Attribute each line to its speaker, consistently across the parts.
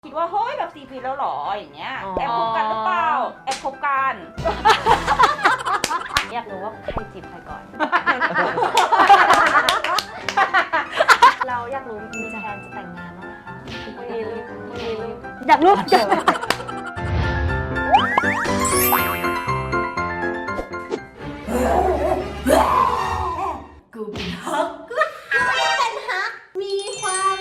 Speaker 1: คิดว่าเฮ้ยแบบ4 ปีแล้วหรออย่างเงี้ยแอบคบกันหรือเปล่าแอบคบกันอยากรู้ว่าใครจีบใครก่อน เราอยากรู้มีแผนจะแต่งงานบ้างไหมคะ
Speaker 2: อยากรู้
Speaker 3: กูเป็นฮักเป็นฮักมีความ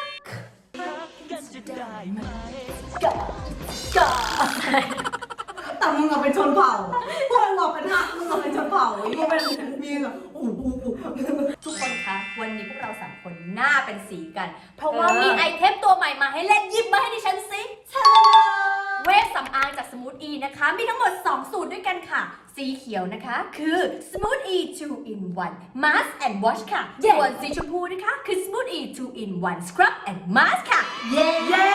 Speaker 3: แต่มึงอะเป็นชนเผ่าพวกมึงอะเป็นฮักมึงอะเป็นชนเผ่าไอ้นี่เป็นมีแบบทุกคนคะวันนี้พวกเรา3 คนหน้าเป็นสีกันเพราะว่ามีไอเทมตัวใหม่มาให้เล่นหยิบมาให้ดิฉันสิเวชสำอางจาก Smooth E นะคะมีทั้งหมด2 สูตรด้วยกันค่ะสีเขียวนะคะคือ Smooth E 2 in 1 Mask and Wash ค่ะส่วนสีชมพูนะคะคือ Smooth E 2 in 1 Scrub and Mask ค่ะเย้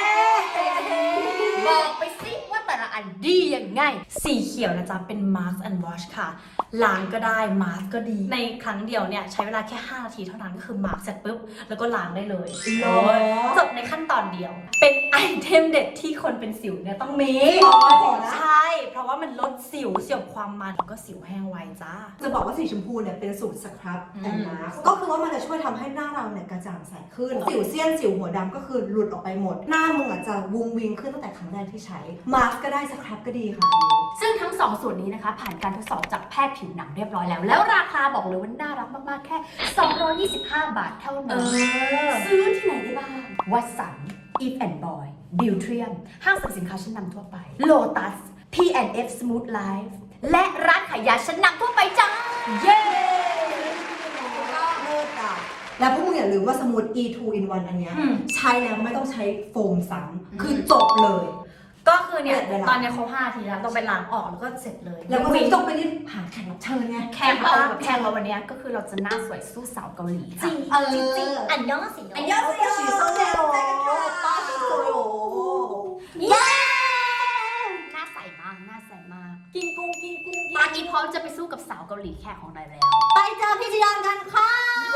Speaker 3: บอกไปสิว่าแต่ละอันดียังไงสีเขียวนะจ๊ะเป็น Mask and Wash ค่ะล้างก็ได้ Mask ก็ดีในครั้งเดียวเนี่ยใช้เวลาแค่5 นาทีเท่านั้นก็คือ Mask เสร็จปุ๊บแล้วก็ล้างได้เลยจบในขั้นตอนเดียวเป็นไอเทมเด็ดที่คนเป็นสิวเนี่ยต้องมีใช่เพราะว่ามันลดสิวเสียบความมันแล้วก็สิวแห้งไวจ้า
Speaker 4: จะบอกว่าสีชมพูเนี่ยเป็นสูตรสครับแต่งมาก็คือว่ามันจะช่วยทำให้หน้าเราเนี่ยกระจ่างใสขึ้นสิวเซียนสิวหัวดำก็คือหลุดออกไปหมดหน้ามึงอาจจะวุ้งวิงขึ้นตั้งแต่ครั้งแรกที่ใช้มาสก์ก็ได้สครับก็ดีค่ะ
Speaker 3: ซึ่งทั้ง2 สูตรนี้นะคะผ่านการทดสอบจากแพทย์ผิวหนังเรียบร้อยแล้วแล้วราคาบอกเลยว่าน่ารักมากๆแค่225 บาทเท่านั้นซื้อที่ไหนได้บ้างวัตสัน Eve and Boy Beautrium ห้างสรรพสินค้าชั้นนำทั่วไป Lotus P&F Smooth Life และร้านขายยาชั้นนำทั่วไปจ้าเย้
Speaker 4: เลิศอ่ะแล้วพวกมึงอย่าลืมว่าสมูท E2 in 1 อันเนี้ยใช้แล้วไม่ต้องใช้โฟมซ้ำคือจบเลย
Speaker 3: ก็คือเนี่ยตอนนี้เขา5 นาทีแล้วต้องไปล้างออกแล้วก็เสร็จเลย
Speaker 4: แล้วก็ไม่ต้องไปรีบหาแขกรับเชิญไง
Speaker 3: แขกเราวันนี้ก็คือเราจะหน้าสวยสู้สาวเกาหลีจริงจริงอันยองสิอันยองสิ
Speaker 4: สีส้มเดียวป้าสีสวยโอ้
Speaker 3: เย้หน้าใสมากหน้าใสมากกินกุ้งตอนนี้พร้อมจะไปสู้กับสาวเกาหลีแขกของเราแล้วไปเจอพี่จียอนกันค่ะ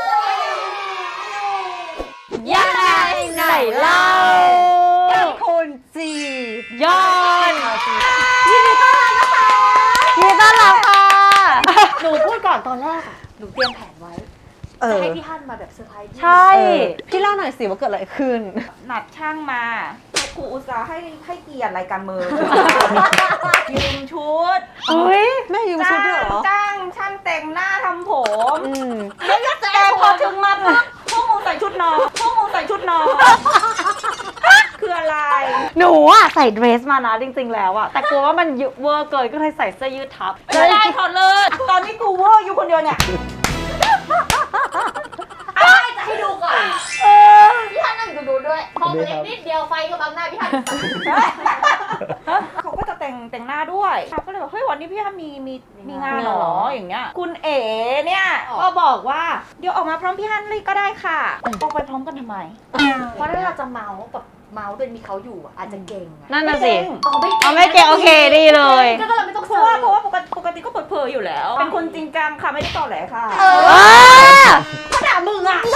Speaker 2: ยังไงไหนเล่าคุณจียอนยินดีต้อนรับนะคะยินดีต้อนรับค่ะหนูพูดก่อนตอนแรกอะหนูเตรียมแผนไว้จะให้พี่ฮั่นมาแบบเซอร์ไพรส์ใช่พี่เล่าหน่อยสิว่าเกิดอะไรขึ้น
Speaker 1: นัดช่างมาครูอุตส่าห์ให้เกียรติรายการมือยืมชุด
Speaker 2: แม่ยืมชุดด้วยเหรอ
Speaker 1: จ้างช่างแต่งหน้าทำผมแต่พอถึงมาพวกมึงใส่ชุดนอนคืออะไร
Speaker 2: หนูอะใส่เดรสมานะจริงๆแล้วอะแต่กลัวว่ามันเวอร์เกินก็เลยใส่เสื้อยืดทับ
Speaker 1: ไม่ได้ถอดเลยตอนนี้กูเวอร์อยู่คนเดียวเนี่ย
Speaker 3: จะให้ดูก่อนพี่ฮันนั่งดูด้วยมองเล็กนิดเดียวไฟก็บังหน้าพี่ฮัน
Speaker 1: เขาก็จะแต่งหน้าด้วยก็เลยบอกเฮ้ยวันนี้พี่ฮันมีงานหรออย่างเงี้ยคุณเอ๋เนี่ยก็บอกว่าเดี๋ยวออกมาพร้อมพี่ฮันเลยก็ได้ค่ะออกไปพร้อมกันทำไม
Speaker 3: เพราะถ้าเราจะเมาโดยมีเขาอยู่อาจจะเก่ง
Speaker 2: นั่นน่ะสิไม่เก่งโอเคดีเลย
Speaker 3: ก็เราไม่ต้อง
Speaker 1: เพราะว่าปกติก็เปิดเผยอยู่แล้วเป็นคนจริงจังค่ะไม่ได้ต่อแหลค่ะ
Speaker 3: ก็ด่ามึงอะไร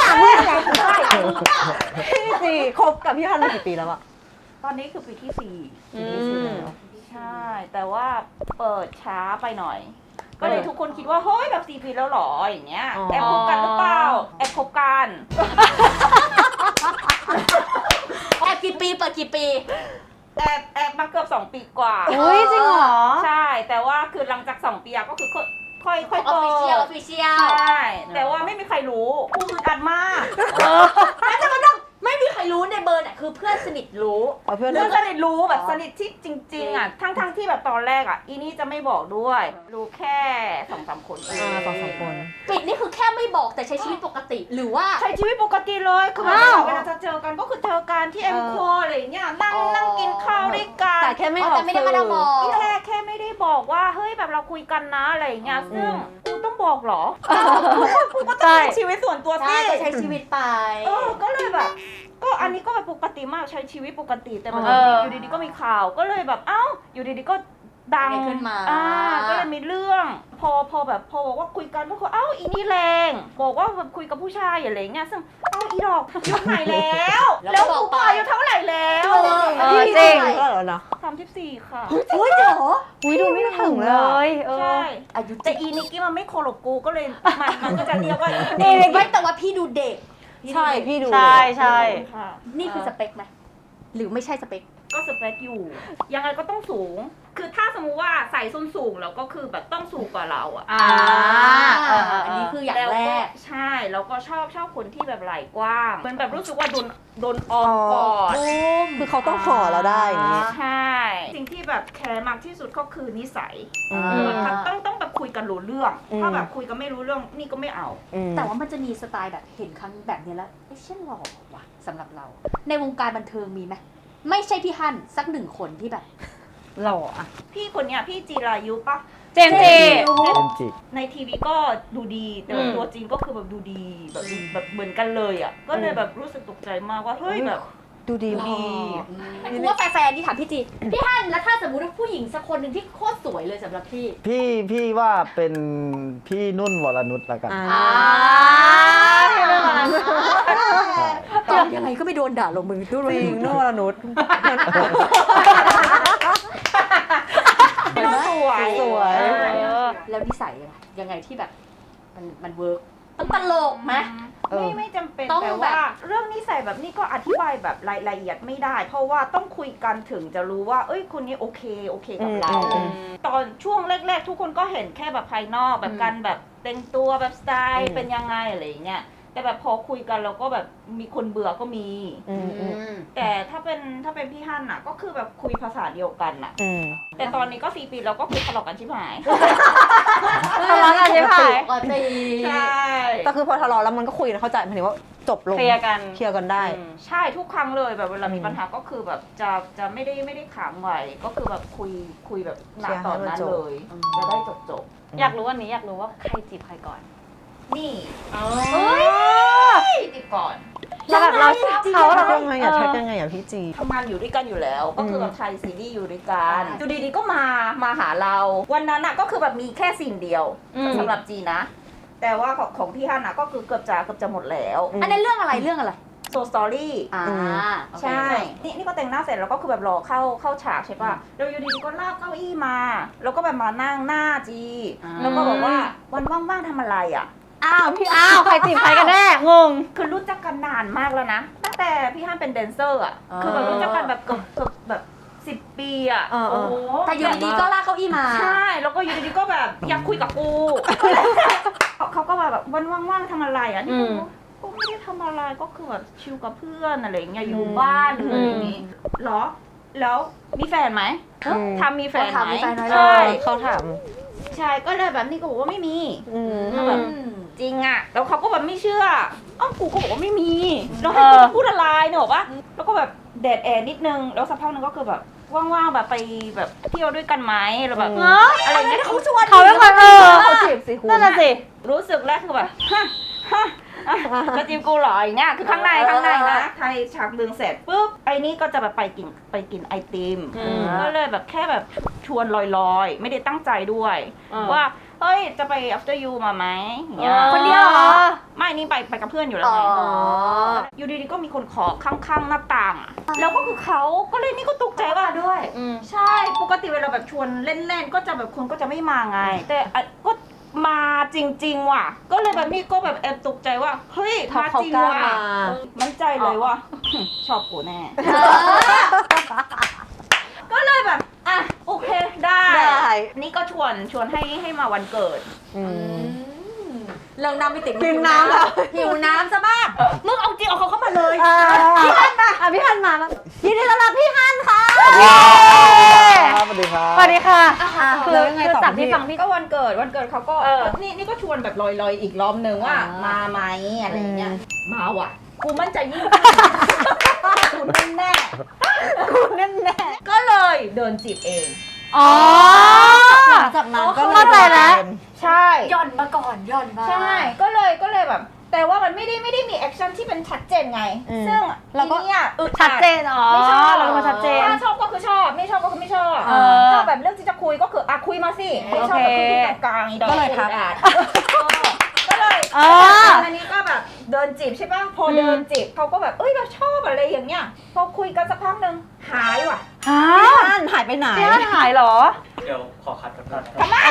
Speaker 2: พี่สิคบกับพี่ฮันมากี่ปีแล้วอะ
Speaker 1: ตอนนี้คือปีที่4แล้วใช่แต่ว่าเปิดช้าไปหน่อยก็เลยทุกคนคิดว่าเฮ้ยแบบ4 ปีแล้วหรออย่างเงี้ยแอบคบกันหรือเปล่าแอบคบกัน
Speaker 3: แอบกี่ปีเปิดกี่ปี
Speaker 1: แอบมาเกือบ2 ปีกว่า
Speaker 2: อุ้ยจริงเหรอ
Speaker 1: ใช่แต่ว่าคือหลังจาก2 ปีก็คือค่อยเปิด
Speaker 3: ออฟฟิเชียล
Speaker 1: ใช่แต่ว่าไม่มีใครรู้กูอึดอัดมาก
Speaker 3: แต่มันต้องไม่มีใครรู้ในเบอร์น่ะคือเพื่อนสนิทรู้
Speaker 1: เพื่อนสนิทรู้แบบสนิทที่จริงๆอ่ะทั้งที่แบบตอนแรกอ่ะอีนี่จะไม่บอกด้วยรู้แค่2-3 คน
Speaker 2: 2-3 คน
Speaker 3: ปิดนี่คือแค่ไม่บอกแต่ใช้ชีวิตปกติหรือว่า
Speaker 1: ใช้ชีวิตปกติเลยคือเวลาจะเจอกันก็คือเจอกันที่เอ็มคออะไรเงี้ยนั่งกินข้าวด้วยกัน
Speaker 2: แต่แค่ไม่ออก
Speaker 3: ไม่ได้มาบอก
Speaker 1: แค่ไม่ได้บอกว่าเฮ้ยแบบเราคุยกันนะอะไรเงี้ยซึ่งกูต้องบอกหรอกูก็ต้องใช้ชีวิตส่วนตัวสิ
Speaker 3: ใช้ชีวิตไป
Speaker 1: ก็เลยแบบก็อันนี้ก็แบบปกติมากใช้ชีวิตปกติแต่มันอยู่ดีๆก็มีข่าวก็เลยแบบอยู่ดีๆก็ดัง
Speaker 3: ขึ้นมา
Speaker 1: ก็เลยมีเรื่องพอบอกว่าคุยกันก็คือเอ้าอีนี่แรงบอกว่าแบบคุยกับผู้ชายอะไรเงี้ยซึ่งเอ้าอีดอกยุคไหนแล้วแล้วกูปอายุเท่าไหร่แล้ว
Speaker 2: จริง
Speaker 4: ก็เหรอเนาะ
Speaker 1: 34 ค่ะ
Speaker 3: โอ้ยเหรอ
Speaker 2: อุ้ยดูไม่ถึงเลย
Speaker 1: ใช่
Speaker 3: อายุ
Speaker 1: แต่อีนิกกี้มันไม่โคลบกูก็เลยมันก็จะเรียกว่าอี
Speaker 3: เด็กไม่แต่ว่าพี่ดูเด็ก
Speaker 4: ใช่พี่ดู
Speaker 2: ใช่ใช่
Speaker 1: ค่ะ
Speaker 3: นี่คือสเปคไหมหรือไม่ใช่สเปค
Speaker 1: ก็สเปคอยู่ยังไงก็ต้องสูง คือถ้าสมมุติว่าใส่ส้นสูงแล้วก็คือแบบต้องสูงกว่าเราอะ
Speaker 3: อันนี้คืออย่าง
Speaker 1: แล้ว
Speaker 3: แร
Speaker 1: ก็
Speaker 3: ก
Speaker 1: ใช่แล้วก็ชอบคนที่แบบไหล่กว้างเหมือนแบบรู้สึกว่าโดนออมกอด
Speaker 4: คือเขาต้องห่อเราได้อย่างนี้
Speaker 1: ใช่สิ่งที่แบบแคร์มากที่สุดก็คือนิสัย
Speaker 4: อืม
Speaker 1: ต้องแบบคุยกันรู้เรื่อง ถ้าแบบคุยกันไม่รู้เรื่องนี่ก็ไม่เอา
Speaker 3: แต่ว่ามันจะมีสไตล์แบบเห็นครั้งแบบนี้แล้วเอ๊ะเช่นหล่อว่ะสำหรับเรา ในวงการบันเทิงมีไหมไม่ใช่พี่ฮั่นสักหนึ่งคนที่แบบ
Speaker 2: หล่ออะ
Speaker 1: พี่คนเนี้ยพี่จีรายุปะ
Speaker 2: เจมส์จี
Speaker 1: ในทีวีก็ดูดีแต่ว่าตัวจริงก็คือแบบดูดีแบบเหมือนกันเลยอ่ะก็เลยแบบรู้สึกตกใจมากว่าเฮ้ยแบบ
Speaker 4: ดูดี
Speaker 1: ดี
Speaker 3: กูว่าแฟนๆที่ถามพี่จีพี่ฮั่นแล้วถ้าสมมติว่าผู้หญิงสักคนหนึ่งที่โคตรสวยเลยสำหรับพี่
Speaker 5: พี่ว่าเป็นพี่นุ่นวรนุชละกัน
Speaker 3: ตอบยังไงก็ไม่โดนด่าลงมือด้วย
Speaker 4: จริงนุ่นวรนุช
Speaker 1: สวย
Speaker 4: สวย
Speaker 3: แล้วนิสัยยังไงที่แบบมันเวิร์กต้องตลกไหม
Speaker 1: ไม่จำเป็น
Speaker 3: ต้อง
Speaker 1: แต่
Speaker 3: แบบ
Speaker 1: ว่าเรื่องนิสัยแบบนี้ก็อธิบายแบบรายละเอียดไม่ได้ เพราะว่าต้องคุยกันถึงจะรู้ว่าเอ้ยคนนี้โอเคกับเรา ตอนช่วงแรกๆ ทุกคนก็เห็นแค่แบบภายนอกแบบการแบบแต่งตัวแบบสไตล์เป็นยังไงอะไรอย่างเงี้ยแต่แบบพอคุยกันเราก็แบบมีคนเบื่อก็มี แต่ถ้าเป็นพี่ฮั่นน่ะก็คือแบบคุยภาษาเดียวกันน่ะ แต่ตอนนี้ก็4 ปีแล้วก็คือทะเลาะกันชิบหาย
Speaker 2: ทะเลาะกันใช่ไหม
Speaker 3: ปกติ
Speaker 1: ใช่
Speaker 4: แต่คือพอทะเลาะแล้วมันก็คุยกันเข้าใจหมายถึงว่าจบลง
Speaker 2: เคลียร์กัน
Speaker 4: เคลียร์กันได้
Speaker 1: ใช่ทุกครั้งเลยแบบเวลามีปัญหาก็คือแบบจะไม่ได้ขังไว้ก็คือแบบคุยแบบหน้าตอนนั้นเลย จะได้จบ
Speaker 2: อยากรู้วันนี้อยากรู้ว่าใครจีบใครก่อน
Speaker 1: นี่
Speaker 2: เฮ้ย
Speaker 1: ติดก่อน
Speaker 2: แล้วแบบเราเขา
Speaker 4: ทั
Speaker 2: เรา
Speaker 4: กยังไงอ่ะทักยังไงอ่ะพี่จี
Speaker 1: ทำงานอยู่ด้วยกันอยู่แล้ว ก็คือแบบถ่ายซีรีส์อยู่ด้วยกันอยู่ดีๆก็มาหาเรา วันนั้นน่ะก็คือแบบมีแค่สิ่งเดียวสำหรับจีนะ แต่ว่าของพี่ฮั่นน่ะก็คือเกือบจะหมดแล้ว
Speaker 3: อันนี้เรื่องอะไรเรื่องอะไร
Speaker 1: โซสตอรี่ ใช่ นี่ก็แต่งหน้าเสร็จแล้วก็คือแบบรอเข้าฉากใช่ป่ะแล้วอยู่ดีๆก็ลากเก้าอี้มา แล้วก็แบบมานั่งหน้าจี แล้วก็บอกว่าวันว่างๆทำอะไรอ่ะ
Speaker 2: อ้าวใครจีบใครกันแน่งง
Speaker 1: คือรู้จักกันนานมากแล้วนะ ตั้งแต่พี่ฮั่นเป็นแดนเซอร์อ่ะ คือแบบรู้จักกันแบบเกือบแบบ10 ปีอ่ะ โอ้โห
Speaker 3: แต่อยู่ดีๆก็ลากเก้าอี้มา
Speaker 1: ใช่ แล้วก็อยู่ดีๆก็แบบอยากคุยกับกู เขาก็แบบวันว่างๆทำอะไรอ่ะ นี่ก็ไม่ได้ทำอะไร ก็คือแบบชิลกับเพื่อนอะไรอย่างเงี้ย อยู่บ้านหรืออะไรอย่างงี้เหรอ แล้วมีแฟนไหมทำมีแฟนไหมใช่
Speaker 4: เขาถาม
Speaker 1: ใช่ ก็เลยแบบนี่ก็บอกว่าไม่มีแบบจริงอ่ะ แล้วเขาก็แบบไม่เชื่ออ้าวกูก็บอกว่าไม่มี แล้วให้กูพูดอะไรเนี่ยบอกว่าแล้วก็แบบแดดแอร์นิดนึง แล้วสักพักนึงก็คือแบบว่างๆแบบไปแบบเที่ยวด้วยกันไหมหรือแบบอะไรอย่างเงี้ยเขาชวน
Speaker 2: เขาเป็นคน
Speaker 4: เขาจีบสิคุณ
Speaker 2: นั่นน่ะสิ
Speaker 1: รู้สึกแรกคือแบบฮะจะจีบกูเหรออย่างเงี้ยคือข้างในนะไทยฉากดึงเสร็จปุ๊บไอ้นี่ก็จะแบบไปกินไอติมก็เลยแบบแค่แบบชวนลอยๆไม่ได้ตั้งใจด้วยว่าเฮ้ยจะไป after you มาไหมอย่างเงี้ย
Speaker 2: คนเดียวเหรอ
Speaker 1: ไม่นี่ไปกับเพื่อนอยู่แล้วไงอยู่ดีๆก็มีคนขอข้างๆหน้าต่างอะแล้วก็คือเขาก็เลยนี่ก็ตกใจว่าด้วยใช่ปกติเวลาแบบชวนเล่นๆก็จะแบบคนก็จะไม่มาไง แต่ก็มาจริงๆว่ะก็เลยแบบนี่ก็แบบแอบตกใจว่าเฮ้ยมาจริงว่ะมั่นใจเลยว่าชอบกูแน่ก็เลยแบบอ่ะโอเคได้นี่ก็ชวนให้มาวันเกิด
Speaker 3: เรื่องน้ำไม่ติด
Speaker 4: หิวน้ำแล้ว
Speaker 3: หิวน้ำซะบ้าง
Speaker 1: มึงเอาจริงเอาเขาเข้ามาเลย
Speaker 2: พี่ฮันมาพี่ฮันมายินดีต้อนรับพี่ฮันค่ะ
Speaker 5: สวัสดีครับ
Speaker 2: สวัสดีค่ะ
Speaker 4: แล้วยังไงต่อ
Speaker 2: จากที่ฟังพี่
Speaker 1: ก็วันเกิดเขาก็นี่ก็ชวนแบบลอยๆอีกรอบนึงว่ามาไหมอะไรอย่างเงี้ยมาว่ะกูมั่นใจยิ่งกูแน่ก็เลยเดินจีบเอง
Speaker 2: อ๋อ
Speaker 4: หลังจากนั้นก็
Speaker 2: เข้าใจแล้ว
Speaker 1: ใช่
Speaker 3: ย่อนมาก่อนย่อนมา
Speaker 1: ใช่ก็เลยแบบ แต่ว่ามันไม่ได้มีแอคชั่นที่เป็นชัดเจนไง ซึ่งเราก็เนี่ยอึดอัด
Speaker 2: ชัดเจนอ๋อ
Speaker 1: ไม่ชอบ
Speaker 2: เราเป็นคนชัดเจน
Speaker 1: ถ้าชอบก็คือชอบไม่ชอบก็คือไม่ไม่ชอบ
Speaker 2: เออ
Speaker 1: ชอบแบบเรื่องที่จะคุยก็คือคุยมาสิไม่ชอบแบบคุยที่กลางๆอีดอก
Speaker 2: ก็เลยทัก
Speaker 1: ก็เลย อันนี้ก็แบบเดินจีบใช่ป่ะพอเดินจีบเขาก็แบบแบบชอบอะไรอย่างเงี้ยพอคุยกันสักพักหนึ่งหายว่ะ
Speaker 2: ท่านหายไปไหนหายเหรอ
Speaker 6: เดี๋ยวขอคัดกันก่อน
Speaker 1: ทำไม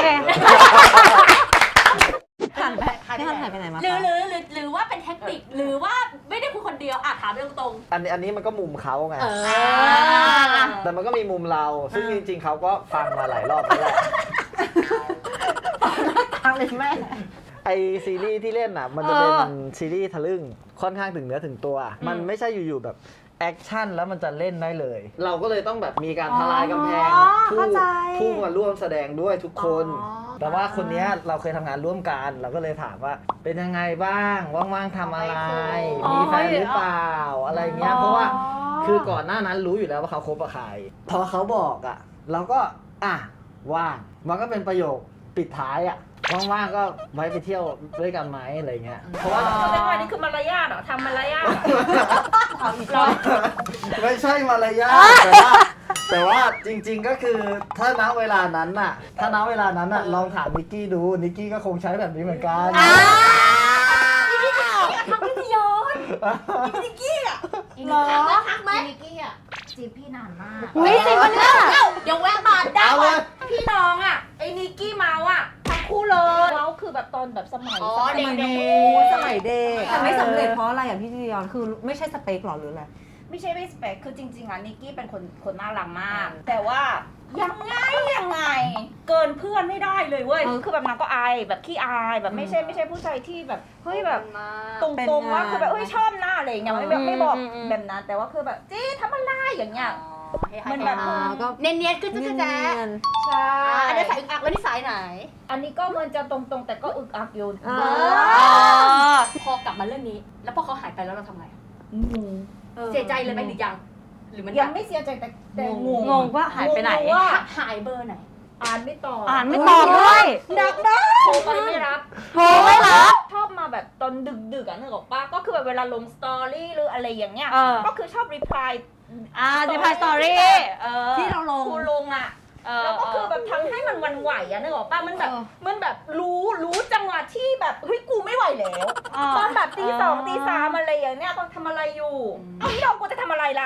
Speaker 2: ผ่านไปพี่ท่านหายไปไหนมา
Speaker 3: หรือว่าเป็นเทคนิคหรือว่าไม่ได้คุยคนเดียวถามเรื่องตรง
Speaker 5: อันนี้มันก็มุมเขาไง
Speaker 3: เออ
Speaker 5: แต่มันก็มีมุมเรา ซึ่งจริงๆเขาก็ฟังมาหลายรอบแล้วแหละ
Speaker 2: ทางเลยแม่
Speaker 5: ไอซีรีส์ที่เล่นอ่ะ มันจะเป็นซีรีส์ทะลึ่งค่อนข้างถึงเนื้อถึงตัว มันไม่ใช่อยู่ๆแบบแอคชั่นแล้วมันจะเล่นได้เลย เราก็เลยต้องแบบมีการทลายกำแพงผู้มาร่วมแสดงด้วยทุกคน แต่ว่าคนเนี้ยเราเคยทำงานร่วมกัน เราก็เลยถามว่าเป็นยังไงบ้างว่างๆทำอะไร มีแฟนหรือเปล่าอะไรเงี้ยเพราะว่าคือก่อนหน้านั้นรู้อยู่แล้วว่าเขาคบกับใครพอเขาบอกอ่ะเราก็ว่างมันก็เป็นประโยคปิดท้ายอ่ะว่างๆก็ไว้ไปเที่ยวด้วยกันไหมอะไรเงี้ยเพราะว่า
Speaker 1: แสดงว่านี่คือมารยาทเหรอทำมารยาท
Speaker 2: เอาอีกรอบ
Speaker 5: ไม่ใช่มารยาทแต่ว่าจริงๆก็คือถ้าณเวลานั้นน่ะลองถามนิกกี้ดูนิกกี้ก็คงใช้แบบนี้เหมือนกัน
Speaker 3: ทักไม่ได้ย้อนนิกกี้อ่ะ
Speaker 1: หรอ
Speaker 3: ทักไหม
Speaker 1: นิกกี้อ่ะจีบพี่นานมาก
Speaker 2: อุ้ยจริงปะเนี่ย
Speaker 3: เดี๋ยวแวะมาได้
Speaker 5: เอาเลย
Speaker 1: พี่น้องอ่ะไอ้นิกกี้เมาอ่ะทั้งคู่เลยเมาคือแบบตอนแบบสมัย
Speaker 3: เด็ก
Speaker 2: สมัยเด็กแต่ไม่สำเร็จเพราะอะไรอ่ะพี่จียอนคือไม่ใช่สเปคหรอหรืออะไร
Speaker 1: ไม่ใช่ไม่สเปคคือจริงๆอ่ะนิกกี้เป็นคนน่ารักมาก แต่ว่ายังไงเกินเพื่อนไม่ได้เลยเว้ยคือแบบนางก็อายแบบขี้อายแบบไม่ใช่ผู้ชายที่แบบเฮ้ยแบบตรงๆว่าคือแบบเฮ้ยชอบหน้าอะไรอย่างเงี้ยไม่บอกแบบนั้นแต่ว่าคือแบบจี้ทำอะไรอย่างเงี้ย มันแบบ
Speaker 2: ก็
Speaker 3: เนียนๆก็จะแจ๊ะ
Speaker 1: ใช่
Speaker 3: อันนี้สายอึกอักแล้วนี่สายไหน
Speaker 1: อันนี้ก็มันจะตรงๆแต่ก็อึกอักอยู่
Speaker 3: พอกลับมาเรื่องนี้ แล้วพอเขาหายไปแล้วเราทำไง
Speaker 1: งง
Speaker 3: เสียใจเลยไหมหรือยัง หรือมัน
Speaker 1: ยังไม่เสียใจแต่งง
Speaker 2: งงว่าหายไปไหน
Speaker 1: งงว่า
Speaker 3: หายเบอร์ไหน
Speaker 1: อ่านไม่ตอบ
Speaker 2: อ่านไม่ตอบด้วย
Speaker 1: ดักนะโทรไปไม่รับ
Speaker 2: โทรไม่รับ
Speaker 1: ชอบมาแบบตอนดึกๆอ่ะนึกออกปะก็คือแบบเวลาลงสตอรี่หรืออะไรอย่างเงี้ย
Speaker 2: เออ
Speaker 1: ก็คือชอบรีプライ
Speaker 2: รีพายสตอรี่ที่เราลง
Speaker 1: คูลงอ่ะแล้วก็คือแบบทำให้มันหวันไหวอ่ะนึกออกปะมันแบบมันแบบรู้จังหวะที่แบบเฮ้ยกูไม่ไหวแล้วตอนแบบตีสองตีสามอะไรอย่างเนี้ยตอนทำอะไรอยู่เอาที่เรากูจะทำอะไรล่ะ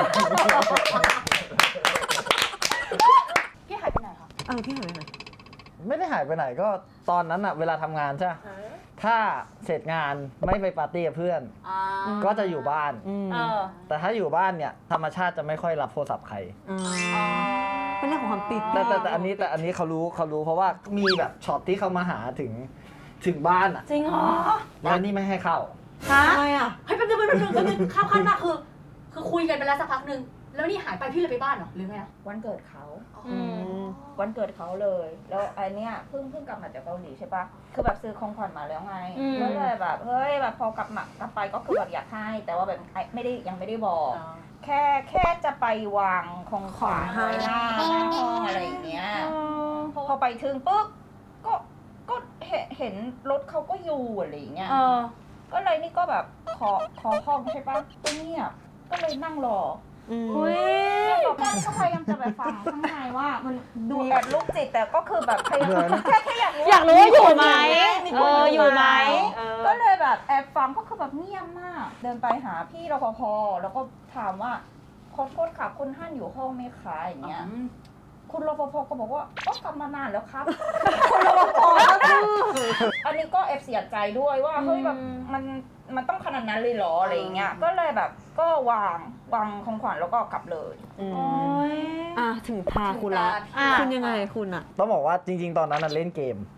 Speaker 3: พี่หายไปไหนคะ
Speaker 2: พี่หายไปไหน
Speaker 5: ไม่ได้หายไปไหนก็ตอนนั้นอะเวลาทำงานใช่ปะถ้าเสร็จงานไม่ไปปาร์ตี้กับเพื่อน ก็จะอยู่บ้าน แต่ถ้าอยู่บ้านเนี่ยธรรมชาติจะไม่ค่อยรับโทรศัพท์ใคร
Speaker 2: เป็นเรื่องของความติด
Speaker 5: แต่อันนี้เขารู้เพราะว่ามีแบบช็อตที่เขามาหาถึงบ้านอ่ะ
Speaker 1: จริงเหรอ
Speaker 5: แล้วนี่ไม่ให้เข้า
Speaker 2: ทำไมอ่ะ
Speaker 3: เฮ้ยแป๊บนึงข้ามขั้นมากคือคุยกันไปแล้วสักพักนึง แล้วนี่หายไปพี่เลยไปบ้านเหรอหรือไงอะ
Speaker 1: วันเกิดเขา วันเกิดเขาเลย แล้วไอเนี้ยเพิ่งกลับมาจากเกาหลีใช่ปะคือแบบซื้อของขวัญมาแล้วไงก็เลยแบบเฮ้ยแบบพอกลับไปก็คือแบบอยากให้ แต่ว่าแบบยังไม่ได้บอก แค่จะไปวางของขวัญไว้หน้าห้องอะไรอย่างเงี้ยพอไปถึงปุ๊บก็เห็นรถเขาก็อยู่อะไรอย่างเงี้ยก็เลยนี่ก็แบบขอห้องใช่ปะก็เงียบก็เลยนั่งรอ แล้วก็พยายามจะแบบฟังข้างในว่ามันดูแอบลูกจิตแต่ก็คือแบบพยายามแค่อยากรู้
Speaker 2: อยากรู้ว่าอยู่ไหม
Speaker 1: อยู่ไหมก็เลยแบบแอบฟังก็คือแบบเงียบมาก เดินไปหาพี่รปภแล้วก็ถามว่าขอโทษค่ะคุณฮั่นอยู่ห้องไหมคะอย่างเงี้ยคุณรปภก็บอกว่าก็กลับมานานแล้วครับคุณรปภอันนี้ก็แอบเสียใจด้วยว่าเฮ้ยแบบมันต้องขนาดนั้นเลยเหรออะไรอย่างเงี้ยก็เลยแบบก็วางของขวัญแล้วก็กลับเลย
Speaker 2: ถึงพาคุณละคุณยังไงคุณอ่ะ
Speaker 5: ต้องบอกว่าจริง ๆ ตอนนั้นน่ะเล่นเกม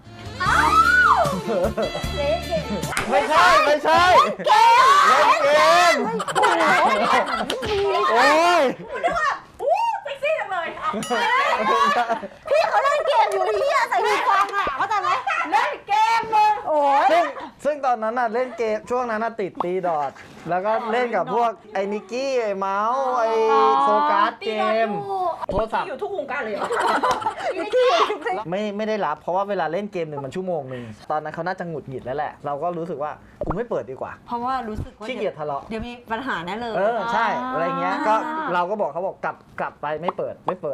Speaker 1: เจ๊เก่ง
Speaker 5: ไม่ใช่เล่นเกมโอ้ย
Speaker 1: เซ็กซี่จังเลย
Speaker 2: พี่เขาเล่นเกมอยู่ที่ใส่หูฟังอ่ะเข้าใจไหม
Speaker 1: เล่นเกมมึง
Speaker 2: โอ้ย
Speaker 5: ซึ่งตอนนั้นน่ะเล่นเกมช่วงนั้นน่ะติดตีดอทแล้วก็เล่นกับพวกไอ้นิกกี้ไอ้เมาส์ไอ้โฟกัสเกมโทรศัพท์
Speaker 1: อยู่ทุกวงการเลยเหรอ
Speaker 5: ไม่ได้รับเพราะว่าเวลาเล่นเกมหนึ่งมันชั่วโมงหนึ่งตอนนั้นเขาน่าจะหงุดหงิดแล้วแหละ เราก็รู้สึกว่ากูไม่เปิดดีกว่า
Speaker 2: เพราะว่ารู้สึกว่า
Speaker 5: ขี้เกียจทะเลาะ
Speaker 2: เดี๋ยวมีปัญหาแน่เลย
Speaker 5: ใช่อะไรเงี้ยก็เราก็บอกเขาบอกกลับไปไม่เปิด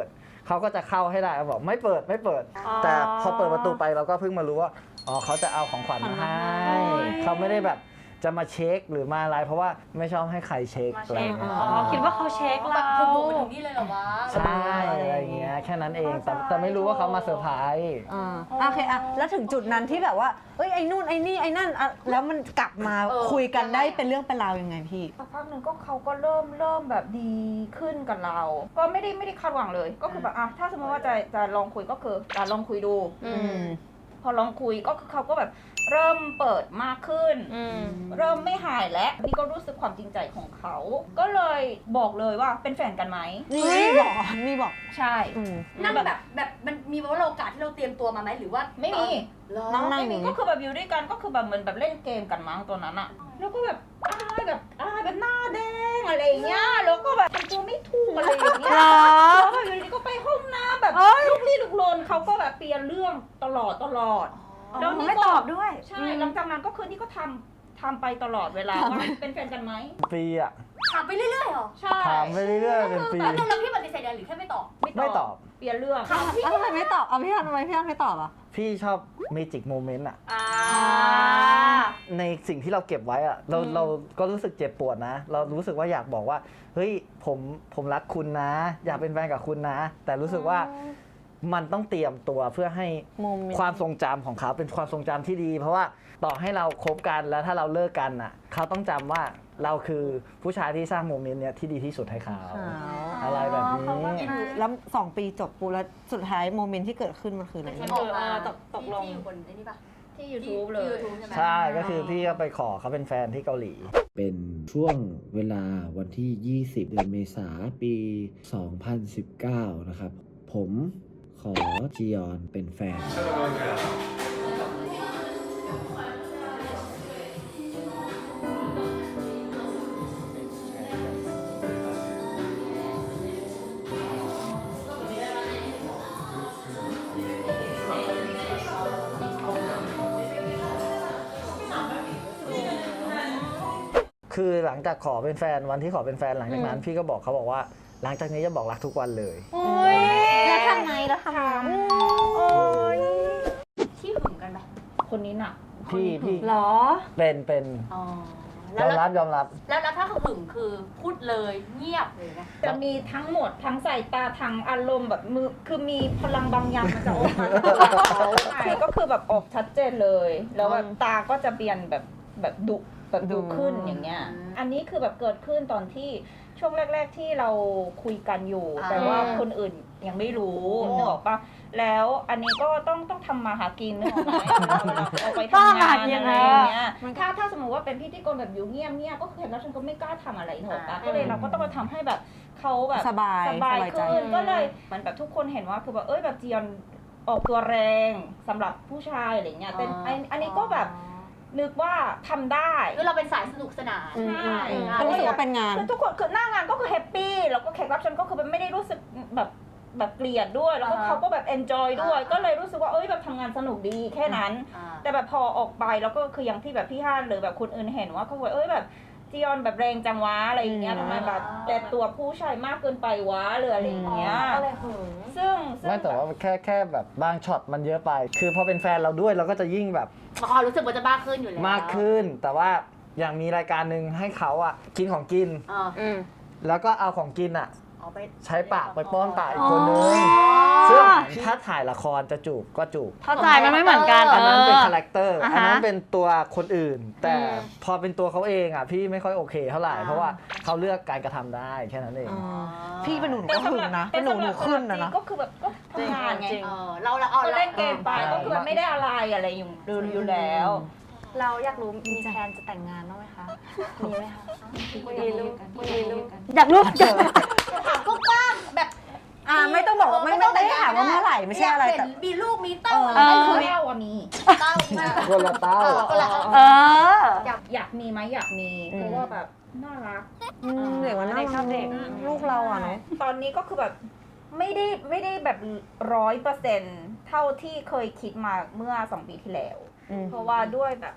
Speaker 5: เขาก็จะเข้าให้ได้เขาบอกไม่เปิด แต่พอเปิดประตูไปเราก็เพิ่งมารู้ว่าอ๋อเขาจะเอาของขวัญมาให้เขาไม่ได้แบบจะมาเช็คหรือมาอะไรเพราะว่าไม่ชอบให้ใครเช็ค
Speaker 1: มา
Speaker 5: อะไร
Speaker 1: เช็ค
Speaker 5: เงี้ย
Speaker 1: อ๋อคิดว่าเขาเช็ค
Speaker 3: แบ
Speaker 1: เรา
Speaker 3: บบุกไปถึงนี่เลยเหรอวะ
Speaker 5: ใช่อะไรเงี้ยแค่นั้นเองแต่ไม่รู้ว่าเขามาเซอร์ไพรส์
Speaker 2: โอเคอะแล้วถึงจุดนั้นที่แบบว่าเอ้ยไอ้นู่นไอ้นี่ไอ้นั่นอะแล้วมันกลับมาคุยกันได้เป็นเรื่องเป็นราวยังไงพี่
Speaker 1: สักพักหนึ่งก็เขาก็เริ่มแบบดีขึ้นกับเรา ก็ไม่ได้คาดหวังเลย ก็คือแบบอ่ะถ้าสมมติว่าจะลองคุยก็คือจะลองคุยดู พอลองคุยก็คือเขาก็แบบเริ่มเปิดมากขึ้น เริ่มไม่หายแล้วนี่ก็รู้สึกความจริงใจของเขา ก็เลยบอกเลยว่าเป็นแฟนกันไหม
Speaker 2: นี่บอก
Speaker 1: ใช่
Speaker 3: นั่งแบบมันมีว่าโอกาสที่เราเตรียมตัวมาไหมหรือว่า
Speaker 1: ไม่มี
Speaker 2: นั่ง
Speaker 1: ไม่
Speaker 2: อ
Speaker 1: มี
Speaker 2: ย่าง
Speaker 1: ก็
Speaker 2: นี้
Speaker 1: คือแบบอยู่ด้วยกันก็คือแบบเหมือนแบบเล่นเกมกันมั้งตัวนั้นอะแล้วก็แบบอ้ายแบบหน้าแดงอะไรอย่างเงี้ยแล้วก็แบบทำตัวไม่ถูกอะไรอย่างเงี้ยแล้วแบบอยู่ดีก็ไปห้องน้ำแบบลุกลี้ลุกลนเขาก็แบบเปลี่ยนเรื่องตลอดแล้วนี่
Speaker 2: ไม่ตอบด้วย
Speaker 1: ใช่หลังจากนั้นก็คือนี่ก็ทำไปตลอดเวลาว่าเป็นแฟนกันไหม
Speaker 5: ปีอะ
Speaker 3: ถามไปเรื่อยๆเหรอ
Speaker 1: ใช่
Speaker 5: ถามไปเรื่อยๆเป็นปี
Speaker 3: แล้วพี่ปฏิเสธหรือแค่ไม่ตอบ
Speaker 5: ไม่ตอบ
Speaker 1: เปลี่ยนเรื่อง
Speaker 2: ทำไมไม่ตอบเอาพี่ฮันทำไมพี่ฮันไม่ตอบอ่ะ
Speaker 5: พี่ชอบเมจิกโมเมนต์อะ
Speaker 1: อ่า
Speaker 5: ในสิ่งที่เราเก็บไว้อะเราก็รู้สึกเจ็บปวดนะ เรารู้สึกว่าอยากบอกว่าเฮ้ยผมรักคุณนะ อยากเป็นแฟนกับคุณนะ แต่รู้สึกว่ามันต้องเตรียมตัวเพื่อให้
Speaker 2: โมเมนต์
Speaker 5: ความทรงจำของเขาเป็นความทรงจำที่ดี เพราะว่าต่อให้เราคบกันแล้วถ้าเราเลิกกันอะเขาต้องจำว่าเราคือผู้ชายที่สร้างโมเมนต์เนี้ยที่ดีที่สุดให้เขาอะไรแบบนี้
Speaker 2: แล้ว2 ปีจบปูแล้วสุดท้ายโมเมนต์ที่เกิดขึ้นมันคืออะไร
Speaker 3: มันออกมาตกลงที่อยู่บนไอ้นี่ปะ
Speaker 1: ที่ YouTube เลย
Speaker 3: YouTube ใช่ไหม
Speaker 5: ใช่ก็คือพี่ก็ไปขอเขาเป็นแฟนที่เกาหลี
Speaker 7: เป็นช่วงเวลาวันที่ 20 เดือนเมษาปี 2019 นะครับ ผมขอจียอนเป็นแฟน
Speaker 5: คือหลังจากขอเป็นแฟนวันที่ขอเป็นแฟนหลังจากนั้นพี่ก็บอกเขาบอกว่าหลังจากนี้จะบอกรักทุกวันเลย
Speaker 2: แล้วทำไง
Speaker 3: ที่หึงกันไหม
Speaker 1: คนนี้หนัก
Speaker 5: พี่
Speaker 2: หรอ
Speaker 5: เป็น
Speaker 3: อ๋อ
Speaker 5: ยอมรับ
Speaker 3: แล้วถ้าหึงคือพูดเลยเงียบเลยนะ
Speaker 1: จะมีทั้งหมดทั้งสายตาทั้งอารมณ์แบบมือคือมีพลังบางอย่างมันจะออกมาคือก็คือแบบออกชัดเจนเลย แล้วแบบตาก็จะเปลี่ยนแบบดุขึ้นอย่างเงี้ย อันนี้คือแบบเกิดขึ้นตอนที่ช่วงแรก ๆที่เราคุยกันอยู่ แต่ว่าคนอื่นยังไม่รู้นึกออกปะแล้วอันนี้ก็ต้องทำมาหากินนึกออกไหมเอาไปทำงานอะไรอย่างเงี้ยถ้าสมมติว่าเป็นพิธีกรแบบอยู่เงียบๆก็คือเห็นแล้วฉันก็ไม่กล้าทำอะไรนึกออกปะก็เลยเราก็ต้องมาทำให้แบบเขาแบบ
Speaker 2: สบาย
Speaker 1: ขึ้นก็เลยเหมือนแบบทุกคนเห็นว่าคือแบบแบบจียอนออกตัวแรงสำหรับผู้ชายอะไรเงี้ยแต่อันนี้ก็แบบนึกว่าทำได้
Speaker 3: คือเราเป็นสายสนุกสนาน
Speaker 1: ใช่
Speaker 2: ก็รู้สึกว่าเป็นงาน
Speaker 1: คือทุกคนคือหน้างานก็คือแฮปปี้แล้วก็แขกรับเชิญก็คือไม่ได้รู้สึกแบบเกลียดด้วยแล้วก็เขาก็แบบเอนจอยด้วยก็เลยรู้สึกว่าแบบทำงานสนุกดีแค่นั้น แต่แบบพอออกไปแล้วก็คืออย่างที่แบบพี่ฮั่นหรือแบบคนอื่นเห็นว่าเขาบอกแบบจียอนแบบแรงจังวะอะไรอย่างเงี้ยทำไมแบบแต่ตัวผู้ชายมากเกินไปวะหรืออะไรอย่างเงี้ย
Speaker 3: ก็เลยหึง
Speaker 1: ซึ่ง
Speaker 5: ไม่แต่ว่าแค่แบบบางช็อตมันเยอะไป คือพอเป็นแฟนเราด้วยเราก็จะยิ่งแบบ
Speaker 3: รู้สึกว่าจะบ้าขึ้นอยู่แล้ว
Speaker 5: มากขึ้น แต่ว่าอย่างมีรายการหนึ่งให้เขาอ่ะกินของกิน แล้วก็เอาของกินอ่ะ
Speaker 3: เอาไป
Speaker 5: ใช้ปากไปป้อนปากอีกคนนึงซึ่งถ้าถ่ายละครจะจูบก็จูบ
Speaker 2: เข้าใจมันไม่เหมือนกัน
Speaker 5: อันนั้นเป็นคาแรคเตอร์
Speaker 2: อ่าฮะ
Speaker 5: อันนั้นเป็นตัวคนอื่น แต่พอเป็นตัวเขาเองอ่ะพี่ไม่ค่อยโอเคเท่าไหร่ เพราะว่าเขาเลือกการกระทำได้แค่นั้นเอง
Speaker 2: พี่เป็นหนูก็หึงนะเป็นหนูขึ้นนะ
Speaker 1: ก็คือแบบก็ทำงานไง
Speaker 3: เรา
Speaker 1: ก็เล่นเกมไปก็คือแบบไม่ได้อะไรอยู่แล้ว
Speaker 2: เราอยากรู้มีแพลนจะแต่งงานบ้างไหมคะ มีไหมคะมีลูกอยากรู้
Speaker 3: ถามก็กว้างแบบ
Speaker 2: ไม่ต้องบอกไม่ได้ถามว่าเมื่อไหร่ไม่ใช่อะไรแต่
Speaker 3: มีลูกมีเต้า
Speaker 1: ไม่คือเต้าอะมี
Speaker 3: เต้ามา
Speaker 5: คนละเต้า
Speaker 1: อยากมีไหมอยากมีเพราะว่าแบบน่ารัก
Speaker 2: เด็กมันน่ารักเด็กลูกเราอ่ะเนาะ
Speaker 1: ตอนนี้ก็คือแบบไม่ได้แบบ100%เท่าที่เคยคิดมาเมื่อ2 ปีที่แล้ว เพราะว่าด้วยแบบ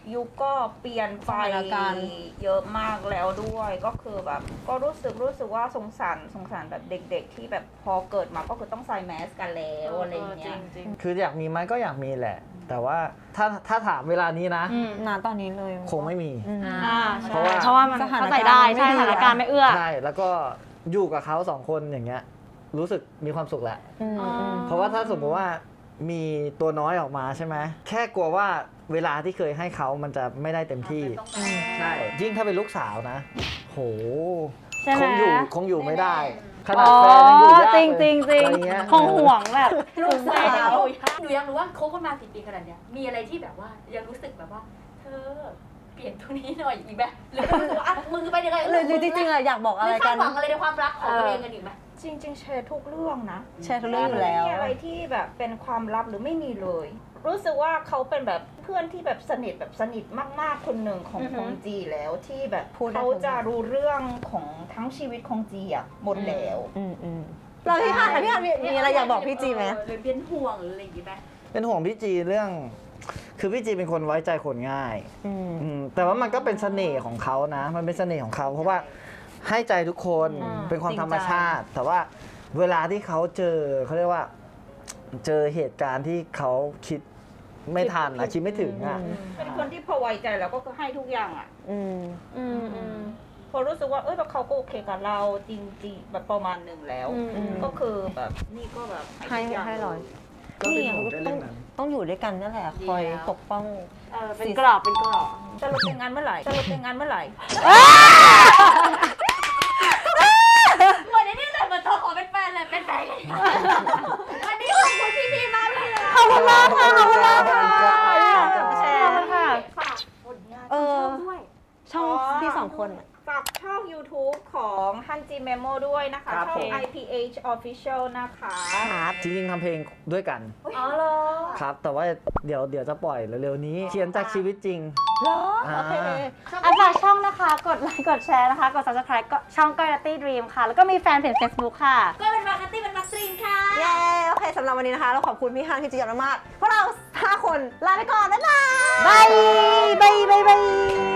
Speaker 1: ยุคก็เปลี่ยนไป
Speaker 2: สถานการณ์
Speaker 1: เยอะมากแล้วด้วยก็คือแบบก็รู้สึกว่าสงสารแบบเด็กๆที่แบบพอเกิดมาก็คือต้องใส่แมสกันแล้วอะไรอย่างเงี้ย
Speaker 5: คืออยากมีไหมก็อยากมีแหละ แต่ว่าถ้าถามเวลานี้นะ
Speaker 2: ณตอนนี้เลย
Speaker 5: คงไม่มี
Speaker 2: เพราะว่ามันเข้าใจได้ใช่สถานการณ์ไม่เอื้อ
Speaker 5: ใช่ แล้วก็อยู่กับเขาสองคนอย่างเงี้ยรู้สึกมีความสุขแหละ เพราะว่าถ้าสมมติว่ามีตัวน้อยออกมาใช่ไหมแค่กลัวว่าเวลาที่เคยให้เขามันจะไม่ได้เต็มที่ใช่ยิ่งถ้าเป็นลูกสาวนะ โห
Speaker 2: ใช่ไหม
Speaker 5: คงอยู่ไม่ได้ ขนาดแฟนยังอยู่ยากเลย
Speaker 2: จริงจริงจริง
Speaker 5: อะไรเงี้ย
Speaker 2: คงห่วงแบบ
Speaker 3: ลูกสาวหนูยังรู้ว่าคบกันมากี่ปีขนาดเนี้ยมีอะไรที่แบบว่ายังรู้สึกแบบว่า เธอเปลี่ยนตรงนี้หน่อยอีกไหมหรือว่าอ่ะมึงไปยังไง
Speaker 2: หรือจริงๆอะอยากบอกอะไร
Speaker 3: ไม่
Speaker 2: กั
Speaker 3: คาน ดหวังอะไรในความรักของตัวเองกันอีกไหม
Speaker 1: จริงๆแชร์ทุกเรื่องนะ
Speaker 2: แชร์ทุกเรื่องอยู่แล้ว
Speaker 1: ไม่มีอะไรที่แบบเป็นความลับหรือไม่มีเลย รู้สึกว่าเขาเป็นแบบเพื่อนที่แบบสนิทมากๆคนหนึ่งของจีแล้วที่แบบ
Speaker 2: พูดได้
Speaker 1: เขาจะรู้เรื่องของทั้งชีวิตของจีอะหมดแล้ว
Speaker 2: เราพี่ฮันมีอะไรอยากบอกพี่จีไหม
Speaker 3: หรือเป็นห่วงหรืออะไรอย่างงี้ไหม
Speaker 5: เป็นห่วงพี่จีเรื่อง คือพี่จีเป็นคนไว้ใจคนง่ายแต่ว่ามันก็เป็นเสน่ห์ของเขานะ มันเป็นเสน่ห์ของเขาเพราะว่าให้ใจทุกคนเป็นความธรรมชาติ แต่ว่าเวลาที่เขาเจอเขาเรียกว่า เจอเหตุการณ์ที่เขาคิดไม่ทันคิดไม่ถึงอ่ะ
Speaker 1: เป็นคนที่พอไว้ใจแล้วก็ให้ทุกอย่างอะพอรู้สึกว่าแล้วเขาก็โอเคกับเราจริงๆแบบประมาณหนึ่งแล้ว ก็คือแบบนี่ก็แบบ
Speaker 2: ให้ร้อย
Speaker 5: ก็เป็นห่วงแค่เรื่องนั้น
Speaker 2: ต้องอยู่ด้วยกันนั่นแหละคอยปกป้อง
Speaker 3: เป็นกรอบเป็นกรอบ
Speaker 1: จะลดแต่งงานเมื่อไหร่จะลดแต่งงานเมื่อไหร่
Speaker 3: เหมือนนี่เลยเหมือนเธอขอเป็นแฟนเลยเป็นแฟนเลยวันนี้ขอบคุณพี่ๆมากเลยนะ
Speaker 2: ขอบคุณมากค่ะขอบคุณมากค่ะ
Speaker 1: แชร์
Speaker 2: ขอบคุณค่ะ
Speaker 3: ฝากผลงาน
Speaker 2: เออ
Speaker 3: ด้วย
Speaker 2: ช่องพี่สองคนอะ
Speaker 1: ฝากช่อง YouTube ของฮันจีเมโมด้วยนะคะ
Speaker 5: ครับ
Speaker 1: ช่อง
Speaker 5: ผม
Speaker 1: IPH Official นะคะ
Speaker 5: จริงๆทำเพลงด้วยกัน
Speaker 1: อ๋อเหรอ
Speaker 5: ครับ แต่ว่าเดี๋ยวจะปล่อยเร็วๆนี้ เขียนจากชีวิตจริง
Speaker 2: เหรอ โอเคฝากช่องนะคะ กดไลค์กดแชร์นะคะ กด subscribe ก็ช่องก้อยนัตตี้ดรีมค่ะ แล้วก็มีแฟนเพจ Facebook ค่ะ
Speaker 3: ก็เป็นมาร์คตี้เป็นมาร์คตรีนค่ะ
Speaker 2: เย้ โอเคสำหรับวันนี้นะคะ เราขอบคุณพี่ฮันพี่จียอนมากๆพวกเรา5คนลาไปก่อน บ๊ายบาย บายบายบาย